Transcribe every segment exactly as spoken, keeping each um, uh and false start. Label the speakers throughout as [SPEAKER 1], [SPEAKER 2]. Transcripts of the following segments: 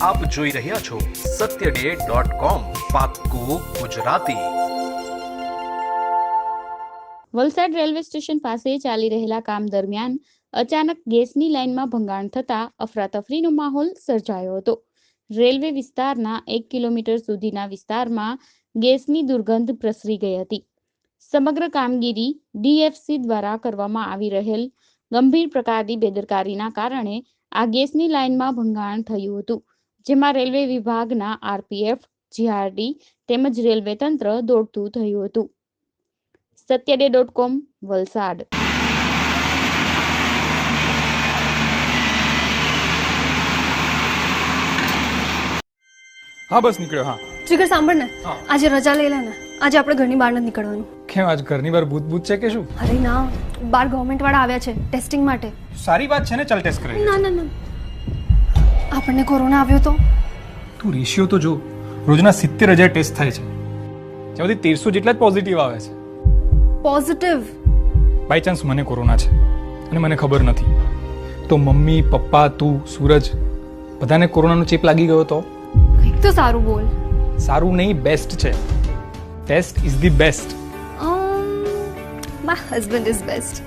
[SPEAKER 1] આપ જોઈ રહ્યા છો સત્ય ડે ડોટ કોમ, પાક્કું ગુજરાતી.
[SPEAKER 2] વલસાડ રેલવે સ્ટેશન પાસે ચાલી રહેલા કામ દરમિયાન અચાનક ગેસની લાઇનમાં ભંગાણ થતાં અફરાતફરીનો માહોલ સર્જાયો હતો. રેલવે વિસ્તારના એક કિલોમીટર સુધીના વિસ્તારમાં ગેસની દુર્ગંધ પ્રસરી ગઈ હતી. સમગ્ર કામગીરી ડીએફસી દ્વારા કરવામાં આવી રહેલ ગંભીર પ્રકારની બેદરકારીના કારણે આ ગેસની લાઇનમાં ભંગાણ થયું હતું, જેમાં રેલવે વિભાગના આરપીએફ, જીઆરડી તેમજ રેલવે તંત્ર દોડતું થયું હતું. સત્ય ડે ડોટ કોમ, વલસાડ.
[SPEAKER 3] હા બસ નીકળ્યો. હા
[SPEAKER 4] જીગર સાંભળ ને, આજે રજા લઈ લે ને. આજે આપણે ઘરની બહાર નથી નીકળવાનું.
[SPEAKER 3] કેમ, આજ ઘરની બહાર ભૂત ભૂત છે કે શું?
[SPEAKER 4] અરે ના, બાર ગવર્મેન્ટ વાળા આવ્યા છે ટેસ્ટિંગ માટે.
[SPEAKER 3] સારી વાત છે ને, ચાલ ટેસ્ટ કરાવી.
[SPEAKER 4] ના ના ના, આપણને કોરોના આવ્યો તો?
[SPEAKER 3] તું રેશિયો તો જો, રોજના સિત્તેર હજાર ટેસ્ટ થાય છે, જેમાંથી તેરસો જેટલા જ પોઝિટિવ આવે છે.
[SPEAKER 4] પોઝિટિવ?
[SPEAKER 3] બાય ચાન્સ મને કોરોના છે અને મને ખબર નથી, તો મમ્મી, પપ્પા, તું, સૂરજ બધાને કોરોનાનો ચેપ લાગી ગયો તો?
[SPEAKER 4] કંઈક તો સારું બોલ.
[SPEAKER 3] સારું નહીં, બેસ્ટ છે. Taste is the best.
[SPEAKER 4] My husband is best.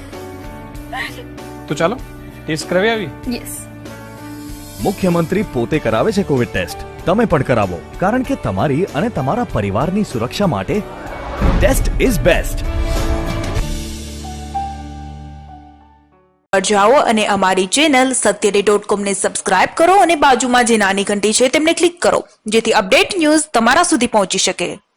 [SPEAKER 3] તો ચાલો ટેસ્ટ કરાવી આવી.
[SPEAKER 4] યસ.
[SPEAKER 5] મુખ્યમંત્રી પોતે કરાવે છે કોવિડ ટેસ્ટ. તમે પણ કરાવો, કારણ કે તમારી અને તમારા પરિવારની સુરક્ષા માટે ટેસ્ટ ઇઝ બેસ્ટ.
[SPEAKER 6] જાઓ અને અમારી ચેનલ સત્ય ડે ડોટ કોમ ને સબસ્ક્રાઇબ કરો અને બાજુમાં જે નાની ઘંટી છે તેમને ક્લિક કરો, જેથી અપડેટ ન્યૂઝ તમારા સુધી પહોંચી શકે.